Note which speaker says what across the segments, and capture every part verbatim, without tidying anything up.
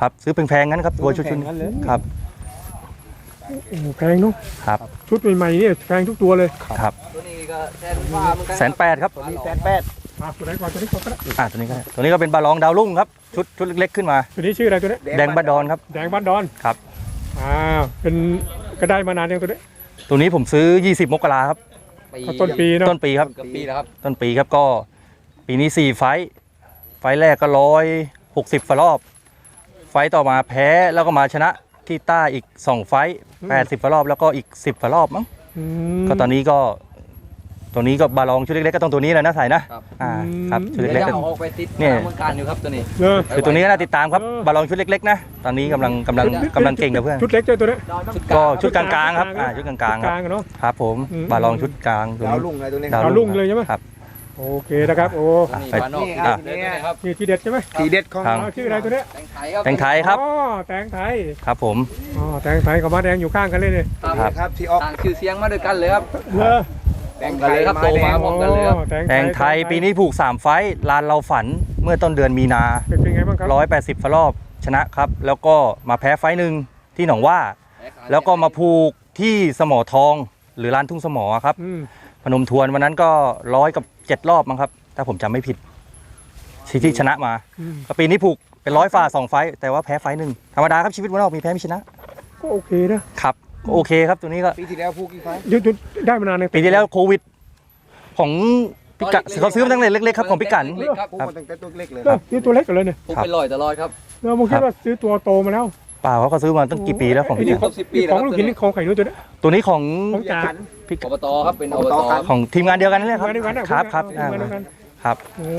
Speaker 1: ครับซื้อแพงๆงั้นครับตัวชุดชุดครับ
Speaker 2: โอ้แพงเนาะ
Speaker 1: ครับ
Speaker 2: ชุดใหม่ๆเนี่ยแพงทุกตัวเลย
Speaker 1: ครับ
Speaker 3: ตัวนี้ก็แสนกว่าเหมือนกัน
Speaker 1: แสนแปดครับ
Speaker 3: ตัวนี้แสนแปด
Speaker 2: อ่าตัวไหนก่อนตัวนี้ก่อนก็ได้
Speaker 1: อ่าตัวนี้ก็ได้ตัวนี้ก็เป็นบาลองดาวรุ่งครับชุดชุดเล็กๆขึ้นมา
Speaker 2: ตัวนี้ชื่ออะไรตัวนี้
Speaker 1: แดงบ้านดอนครับ
Speaker 2: แดงบ้านดอน
Speaker 1: ครับ
Speaker 2: อ่าเป็นก็ได้มานานยังตัวนี้
Speaker 1: ตัวนี้ผมซื้อยี่สิบมกราครับ
Speaker 2: ต้นปีเนาะ
Speaker 1: ต้นปีครับ
Speaker 3: ต้นปีแล้วครับ
Speaker 1: ต้นปีครับก็ปีนี้สี่ไฟไฟแรกก็ร้อยหกสิบรอบไฟต่อมาแพ้แล้วก็มาชนะที่ใต้อีกสองไฟแปดสิบรอบแล้วก็อีกสิบรอบมั้งก็ตอนนี้ก็ตัวนี้ก็บาลองชุดเล็กๆก็ต้องตัวนี้แหละนะใส่นะอ่าครับชุดเล็กๆก็
Speaker 3: ออกไปติด
Speaker 1: เนี่ย
Speaker 3: เมืองการอยู่ครับตัวนี้
Speaker 1: คือตัวนี้ก็น่าติดตามครับบาลองชุดเล็กๆนะตอนนี้กำลังกำลังกำลังเก่งกับเพื่อน
Speaker 2: ชุดเล็กเจ้าตัวนี้
Speaker 1: ก็ชุดกลางๆครับอ่าชุดกลางๆครับครับผมบาลองชุดกลาง
Speaker 4: ดาวรุ่งเลยตัวนี้
Speaker 2: ดาวรุ่งเลยใช่ไหม
Speaker 1: ครับ
Speaker 2: โอเคนะครับโอ้
Speaker 3: นี่บ้านนอกนี่ครับ
Speaker 2: นี่ทีเด็ดใช่ไหม
Speaker 4: ทีเด็ดของ
Speaker 2: ชื่ออะไรตัวนี้
Speaker 3: แตงไทยครับ
Speaker 1: แตงไทยครับ
Speaker 2: อ๋อแตงไทย
Speaker 1: ครับผม
Speaker 2: อ๋อแตงไทยกับม้าแดงอยู่ข้างกันเลยเนี่ย
Speaker 4: ครับที่ออก
Speaker 3: ต่างชื่อเสียงมาด้วยกันเลยครับ
Speaker 2: เลอ
Speaker 3: แตงไทยครับโตมาพร้อมกันเลยครับ
Speaker 1: แตงไทยปีนี้ผูกสามไฟลานเราฝันเมื่อต้นเดือนมีนา
Speaker 2: เป็นไงบ้างครับ
Speaker 1: ร้อยแปดสิบรอบชนะครับแล้วก็มาแพ้ไฟหนึ่งที่หนองว่าแล้วก็มาผูกที่สมอทองหรือลานทุ่งสมอครับพนมทวนวันนั้นก็ร้อยกับเจ็ดรอบมั้งครับถ้าผมจำไม่ผิดที่ชนะมาก็ปีนี้ผูกเป็นร้อยฝ่าสองไฟแต่ว่าแพ้ไฟหนึ่งธรรมดาครับชีวิตวันนอกมีแพ้มีชนะ
Speaker 2: ก็โอเคนะครับ
Speaker 1: โอเคครับตัวนี้ก็
Speaker 4: ปีที่แล้วผูกกี่ไฟ
Speaker 2: ยุดได้มานานเลย
Speaker 1: ปีที่แล้วโควิดของพิกัดเขาซื้อมาตั้งแต่เล็กๆครับของพิกัด
Speaker 4: ผูกมาตั้งแต่ตัวเล็กเลย
Speaker 2: นี่ตัวเล็กกันเลยเนี่ย
Speaker 3: ผูกเป็นลอยตลอดครับ
Speaker 2: เราคิดว่าซื้อตัวโตมาแล้ว
Speaker 1: เปล่าเขาก็ซื้อมาตั้งกี่ปีแล้วของพิกัด
Speaker 2: ของลูกหินนี่ของไข่นู้นตัวนี้
Speaker 1: ตัวนี้ของ
Speaker 2: ของจาน
Speaker 3: อบตครับเป็นอบต
Speaker 1: ของทีมงานเดียวกันนี่แหละครับครับครับครับ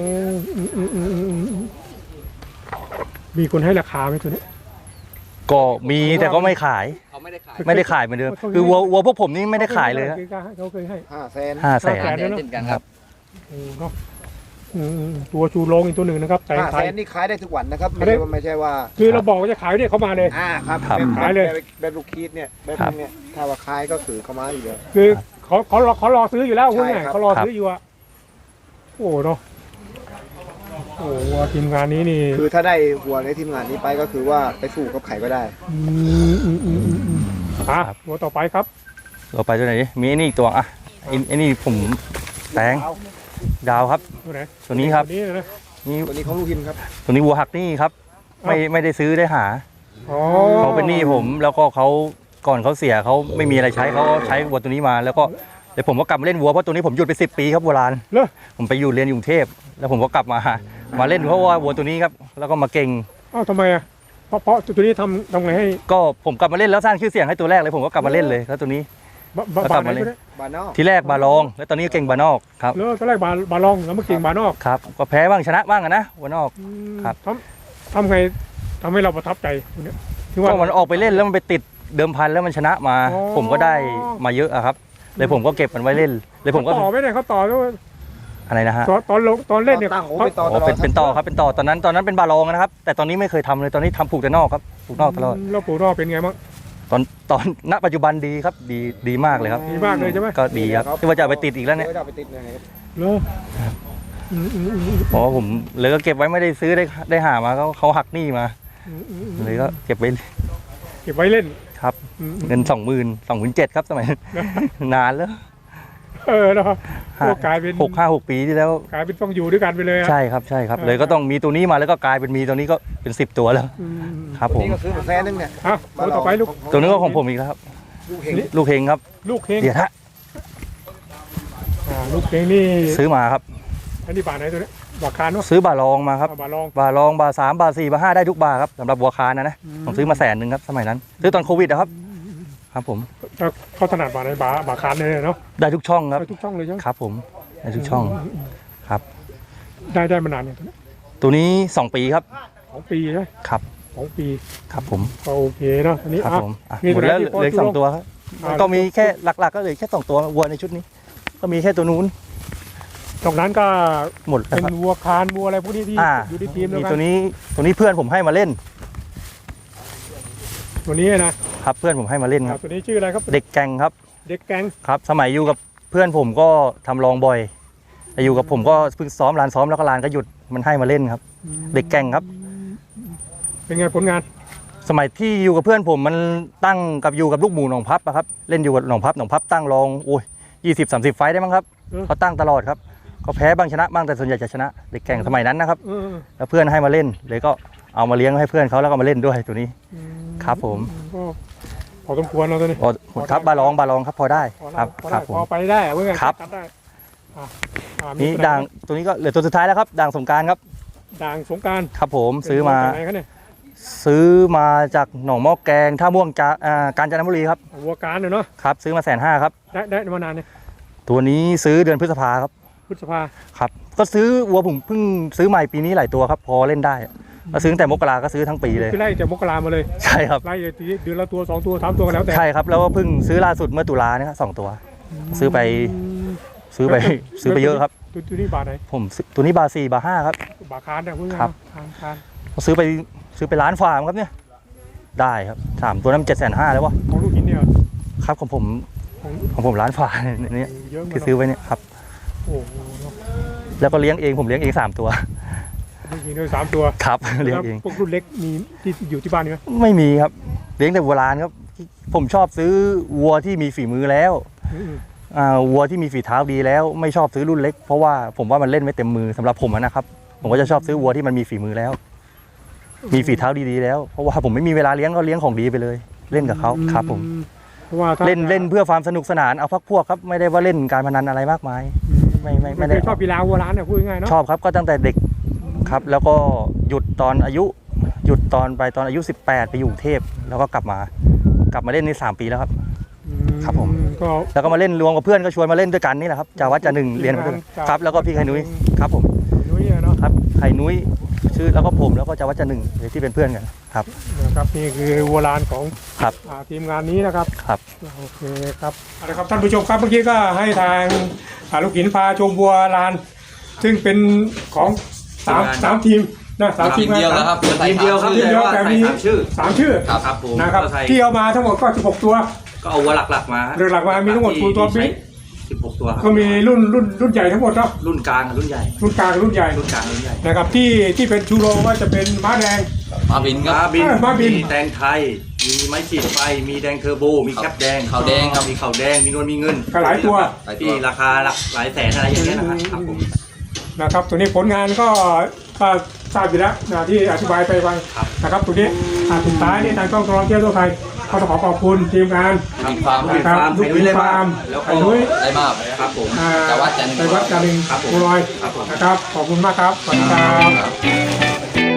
Speaker 2: มีคนให้ราคาไหมตัวนี้
Speaker 1: ก็มีแต่ก็ไม่ขาย
Speaker 3: เขาไม่ได้ขาย
Speaker 1: ไม่ได้ขายเหมือนเดิมคือวัววัวพวกผมนี่ไม่ได้ขายเลยครับ
Speaker 2: เขาเคยให้
Speaker 4: ห้าแสน
Speaker 1: ห้าแสน
Speaker 3: เช่นกันครับ
Speaker 2: ตัวชูโรงอีกตัวหนึ่งนะครับแต่
Speaker 4: ห้าแสนนี่ขายได้ทุกวันนะครับไม่ใช่ว่าไม่ใช่ว่า
Speaker 2: คือเราบอกว่าจะขายเนี่ยเขามาเลย
Speaker 4: อ่าครับขายเลยแบบลูกคีดเนี่ยแบบนี้ถ้าว่าขายก็คือเขามาอยู่แล้ว
Speaker 2: คือเขาเขาเขารอซื้ออยู่แล้วคุณไงเขารอซื้ออยู่อ่ะโอ้เนาะโอ้วัวทีมงานนี้นี่
Speaker 4: คือถ้าได้วัวในทีมงานนี้ไปก็คือว่าไปสู้กับไข่ก็ได้
Speaker 2: อืมอืมอืมอืมอ่ะวัวต่อไปครับ
Speaker 1: เราไปตัวไหนมีไอ้นี่ตัวอ่ะไอ้นี่ผมแตงดาวครับ
Speaker 2: ตัวไหน
Speaker 1: ตัวนี้ครับ
Speaker 4: นี่ตัวนี้ของลูกหินครับ
Speaker 1: ตัวนี้วัวหักนี่ครับไม่ไม่ได้ซื้อได้หาเขาเป็นหนี้ผมแล้วก็เขาก่อนเขาเสียเขาไม่มีอะไรใช้เขาใช้วัวตัวนี้มาแล้วก็เดี๋ยวผมก็กลับมาเล่นวัวเพราะตัวนี้ผมหยุดไปสิบปีครับโบราณผมไปอยู่เรียนอยู่กรุงเทพแล้วผมก็กลับมามาเล่นเพราะว่าวัวตัวนี้ครับแล้วก็มาเก่ง
Speaker 2: อ้าวทำไมอ่ะเพราะเพราะตัวนี้ทำทำไงให้
Speaker 1: ก็ผมกลับมาเล่นแล้วสร้างชื่อเสียงให้ตัวแรกเลยผมก็กลับมาเล่นเลยแล้วตัวนี้
Speaker 2: ก็กลับมาเล่น
Speaker 1: ทีแรกบาลองแล้วตอนนี้เก่งบานอกครับ
Speaker 2: แล้วตอนแรกบาบาลองแล้วมาเก่งบานอก
Speaker 1: ครับก็แพ้บ้างชนะบ้างนะบานอกครับ
Speaker 2: ทำทำไงทำให้เราประทับใจตัวนี้
Speaker 1: ที่ว่ามันออกไปเล่นแล้วมันไปติดเดิมพันแล้วมันชนะมาผมก็ได้มาเยอะครับเลยผมก็เก็บมันไว้เล่นเลยผมก็
Speaker 2: ต่อไม่ได้เขาต่อด้วย
Speaker 1: อะไรนะฮะ
Speaker 2: ตอนลงตอนเล่นเนี่ย
Speaker 1: เขาเป็นเป็นต่อครับเป็นต่อตอนนั้นตอนนั้นเป็นบาลองนะครับแต่ตอนนี้ไม่เคยทำเลยตอนนี้ทำผูกแต่นอกครับผูกนอกตลอด
Speaker 2: แล้วผูกนอกเป็นไงบ้าง
Speaker 1: ตอนตอนณปัจจุบันดีครับดีดีมากเลยครับ
Speaker 2: ดีมากเลยใช่ไหม
Speaker 1: ก็ดีครับที่ว่าจะไปติดอีกแล้วเนี่ย
Speaker 2: เหรอ
Speaker 1: เพราะผมเลยก็เก็บไว้ไม่ได้ซื้อได้ได้หามาเขาเขาหักหนี้มาเลยก็เก็บไว้
Speaker 2: เก็บไว้เล่น
Speaker 1: ครับเงินสองหมื่นสองหมื่นเจ็ดครับสมัยนานแล้ว
Speaker 2: เออเนาะกลายเป็น
Speaker 1: หกห้าหกปีที่แล้ว
Speaker 2: กลายเป็นต้องอยู่ด้วยกันไปเลย
Speaker 1: ใช่ครับใช่ครับเลยก็ต้องมีตัวนี้มาแล้วก็กลายเป็นมีตัวนี้ก็เป็นสิบตัวแล้วครับผม
Speaker 4: นี่ก็ซื้อมาแสนนึงเนี่ย
Speaker 2: อ่ะตัวต่อไปลูก
Speaker 1: ตัวนี้ก็ของผมอีกแล้วครับ
Speaker 4: ลูกเฮง
Speaker 1: ลูกเฮงครับ
Speaker 2: ลูกเฮง
Speaker 1: เดี๋ยวฮะ
Speaker 2: ลูกเฮงนี่
Speaker 1: ซื้อมาครับ
Speaker 2: อันนี้บาทไหนตัวนี้บาคานเนาะ
Speaker 1: ซื้อบาลองมาครับ
Speaker 2: บาลอง
Speaker 1: บาลองบาสามบาสี่บาห้าได้ทุกบาครับสำหรับบัวคานนะนะผมซื้อมาแสนหนึ่งครับสมัยนั้นซื้อตอนโควิดนะครับครับผม
Speaker 2: เขาถนัดบาไหนบาบาคานเลยเนาะ
Speaker 1: ได้ทุกช่องครับ
Speaker 2: ได้ทุกช่องเลยใช่ไหม
Speaker 1: ครับผมได้ทุกช่องครับ
Speaker 2: ได้ได้มานานเนี่ย
Speaker 1: ตัวนี้สองปีครับ
Speaker 2: สองปีใช่
Speaker 1: ครับ
Speaker 2: สองปี
Speaker 1: ครับผม
Speaker 2: โอเคเนาะอันนี้
Speaker 1: ครับผมหมดแล้วเหลือสองตัวครับก็มีแค่หลักๆก็เลยแค่สองตัววัวในชุดนี้ก็มีแค่ตัวนู้น
Speaker 2: ตรงนั้นก็
Speaker 1: หมด
Speaker 2: เป็นวัวคานวัวอะไรพวกนี้ที่อยู่ในทีมแล้วกัน
Speaker 1: ตัวนี้ตัวนี้เพื่อนผมให้มาเล่น
Speaker 2: ตัวนี้นะครับ
Speaker 1: เพื่อนผมให้มาเล่นครับ
Speaker 2: ตัวนี้ชื่ออะไรครับ
Speaker 1: เด็กแกงครับ
Speaker 2: เด็กแกง
Speaker 1: ครับสมัยอยู่กับเพื่อนผมก็ทำรองบ่อยแต่อยู่กับผมก็เพิ่งซ้อมลานซ้อมแล้วก็ลานก็หยุดมันให้มาเล่นครับเด็กแกงครับ
Speaker 2: เเป็นไงผลงาน
Speaker 1: สมัยที่อยู่กับเพื่อนผมมันตั้งกับอยู่กับลูกหมูหนองพับอะครับเล่นอยู่กับหนองพับหนองพับตั้งรองโอ้ยยี่สิบสามสิบไฟต์ได้มั้งครับเขาตั้งตลอดครับก็แพ้บ้างชนะบ้างแต่ส่วนใหญ่จะชนะเด็กแข่งสมัยนั้นนะครับ
Speaker 2: เออ
Speaker 1: แล้วเพื่อนให้มาเล่นเลยก็เอามาเลี้ยงให้เพื่อนเขาแล้วก็มาเล่นด้วยตัวนี้
Speaker 2: อืม
Speaker 1: ครับผม
Speaker 2: ก็พอสมควรเราตัวนี้
Speaker 1: โอ้ครับบาลองบาลองครับพอได้
Speaker 2: พอ
Speaker 1: ค
Speaker 2: ได้
Speaker 1: รับ
Speaker 2: พอ
Speaker 1: ค
Speaker 2: ได้
Speaker 1: รับผม
Speaker 2: พอไปได้อะเพื่อน
Speaker 1: ครับ
Speaker 2: ตัดได้อ่ะอ่ะมี
Speaker 1: นี่
Speaker 2: ตัวไห
Speaker 1: ด่างตัวนี้ก็เหลือตัวสุดท้ายแล้วครับด่างสงกรารครับ
Speaker 2: ด่างสงกราร
Speaker 1: ครับผมซื้อมา
Speaker 2: ไหนครับเนี่ย
Speaker 1: ซื้อมาจากหนองหม้อแกงท่าม่วงจาอ่ากาญจนบุรีครับ
Speaker 2: วัวการเนาะ
Speaker 1: ครับซื้อมาแสนห้าครับ
Speaker 2: ได้ได้มานานเนี่ย
Speaker 1: ตัวนี้ซื้อเดือนพฤษภาครับ
Speaker 2: พฤษภา
Speaker 1: ครับก็ซื้อวัวผมเพิ่งซื้อใหม่ปีนี้หลายตัวครับพอเล่นได้ก็ซื้อตั้งแต่มกราก็ซื้อทั้งปีเลย
Speaker 2: คือไล่จากมกรามาเลย
Speaker 1: ใช่ครับ
Speaker 2: ไล่เดือนละตัวสองตัวสามตัวกันแล้วแต่
Speaker 1: ใช่ครับแล้วก็เพิ่งซื้อล่าสุดเมื่อตุลาเนี่ยครับสองตัว ซื้อไป ซื้อไปซื้อไปเยอะครับ
Speaker 2: ตัวตัวนี้บาทไหน
Speaker 1: ผมซื้อตัวนี้บาสี่บาห้าครับ
Speaker 2: บาทคานเนี่ยพูดง่าย
Speaker 1: ครับ
Speaker 2: ๆคานคาน
Speaker 1: ซื้อไปซื้อไปร้านฟาร์มครับเนี่ยได้ครับสามตัวนั้นเจ็ดแสนห้าแล้ววะ
Speaker 2: ของลูกหินเนี่ย
Speaker 1: ครับของผม
Speaker 2: ของ
Speaker 1: ของผมร้านฟาร์มเนี่ย
Speaker 2: เยอะเหมือน
Speaker 1: ที่
Speaker 2: กัน
Speaker 1: ซื้อไว้เนี่ยครับ
Speaker 2: โอ้โหเนอะ
Speaker 1: แล้วก็เลี้ยงเองผมเลี้ยงเองสามตัว
Speaker 2: ลูกหินด้วยสามตัว
Speaker 1: ครับ เลี้ยง
Speaker 2: แล้ว
Speaker 1: เอง
Speaker 2: พวกรุ่นเล็กมีที่อยู่ที่บ้านมีไหม
Speaker 1: ไม่มีครับเลี้ยงแต่วัวลานครับผมชอบซื้อวัวที่มีฝีมือแล้ว
Speaker 2: อืม
Speaker 1: อ่าวัวที่มีฝีเท้าดีแล้วไม่ชอบซื้อรุ่นเล็กเพราะว่าผมว่ามันเล่นไม่เต็มมือสำหรับผมอะนะครับ ผมก็จะชอบซื้อวัวที่มันมีฝีมือแล้ว มีฝีเท้าดีๆแล้วเพราะว่าผมไม่มีเวลาเลี้ยงก็เลี้ยงของดีไปเลย เล่นกับเขาครับผม
Speaker 2: เพราะว่าถ้า
Speaker 1: เล่นเล่นเพื่อความสนุกสนานเอาพักพวกครับไม่ได้ว่าเล่นการพนันอะไรมากมาย ไม่ไม่ไม่ได้
Speaker 2: คือชอบกีฬาวัวร้านเนี่ยพูดง่ายๆเนาะ
Speaker 1: ชอบครับก็ตั้งแต่เด็กครับ แล้วก็หยุดตอนอายุ หยุดตอนไปตอนอายุสิบแปดไปอยู่กรุงเทพแล้วก็กลับมา กลับมาเล่นในสามปีแล้วครับ
Speaker 2: อื
Speaker 1: ครับผม
Speaker 2: ก็
Speaker 1: แล้วก็มาเล่นรวมกับเพื่อนก็ชวนมาเล่นด้วยกันนี่แหละครับจาวัดจาหนึ่งเรียนมาด้วยครับแล้วก็พี่ไข่นุ้ยครับผม
Speaker 2: นุ้ยอะเนาะ
Speaker 1: ครับไข่นุ้ยชื่อแล้วก็ผมแล้วก็จาวัดจาหนึ่งที่เป็นเพื่อนกันครับ
Speaker 2: นะครับนี่คือวัวร้านของ
Speaker 1: ครับ
Speaker 2: อ่าทีมงานนี้นะครับ
Speaker 1: ครับ
Speaker 2: โอเคครับเอาละครับท่านผู้ชมครับเมื่อกี้ก็ให้ทางอ่าลูกหินพาชมวัวลาน ซึ่งเป็นของสามสามทีมนะสามที
Speaker 3: ที
Speaker 2: ม
Speaker 3: มเดียวแล้วครับ
Speaker 1: ทีมเดียวครับ
Speaker 2: ทีมเดียวแต่มี
Speaker 1: ใส่สามชื่อ
Speaker 2: สามชื่อ
Speaker 3: ครับ
Speaker 1: ครับผม
Speaker 2: นะครับ
Speaker 1: ก็ใส่
Speaker 2: ที่เอามาทั้งหมดก็สิบหกตัว
Speaker 1: ก็เอาวัวหลักๆมา
Speaker 2: เรือหลักมามีทั้งหมด
Speaker 1: ที่
Speaker 2: กี่ตัว
Speaker 1: ที่
Speaker 2: บิ๊
Speaker 1: ใช้
Speaker 2: ก
Speaker 1: สิบหกตัวครับ
Speaker 2: ก็มีรุ่นรุ่นรุ่นใหญ่ทั้งหมดเนาะ
Speaker 1: รุ่นกลางกับรุ่นใหญ่
Speaker 2: รุ่นกลางรุ่นใหญ่
Speaker 1: รุ่นกลางรุ่นใหญ่
Speaker 2: นะครับที่ที่เป็นชูโรงว่าจะเป็นม้าแดง
Speaker 3: มาบินค
Speaker 1: ม้า
Speaker 3: รับ
Speaker 1: บิน
Speaker 2: เออม้าบิน
Speaker 1: มีแตงไทย มีไม้ขีดไฟ มีแดงเทอร์โบ มีแคปแดง
Speaker 3: ขาวแดงครับ
Speaker 1: มีขาวแดง มีนวลมีเงิน
Speaker 2: ก็หลายตัว
Speaker 3: หลายตัว
Speaker 1: ที่ราคาหลักหลายแสนอะไรอย่างเงี้ยนะครับครับผม
Speaker 2: นะครับตัวนี้ผลงานก็ก็ทราบอยู่แล้วนะที่อธิบายไปฟัง
Speaker 1: ครับ
Speaker 2: นะครับตัวนี้อ่าสุดท้ายนี่ทางกล้องกรองเที่ยวทั่วไทยก็ต้องขอขอบคุณทีมงาน
Speaker 3: มีความ
Speaker 1: ลูกฟาร์ม
Speaker 2: ลูก
Speaker 1: ไข่นุ้ยเลย
Speaker 2: ฟาร์ม
Speaker 1: แล้วก็
Speaker 2: ไข่นุ้ย
Speaker 3: ได้มาก
Speaker 1: ครับผม
Speaker 2: อ่า
Speaker 3: จังหวัดจันทร์
Speaker 2: จังหวัดจันทร์
Speaker 1: ครับผม
Speaker 2: บัวลอย
Speaker 1: ครับผม
Speaker 2: นะครับขอบคุณมากครับสวัสดี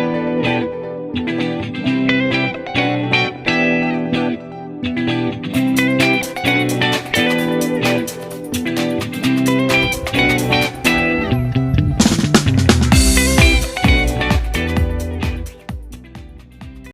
Speaker 2: ครับ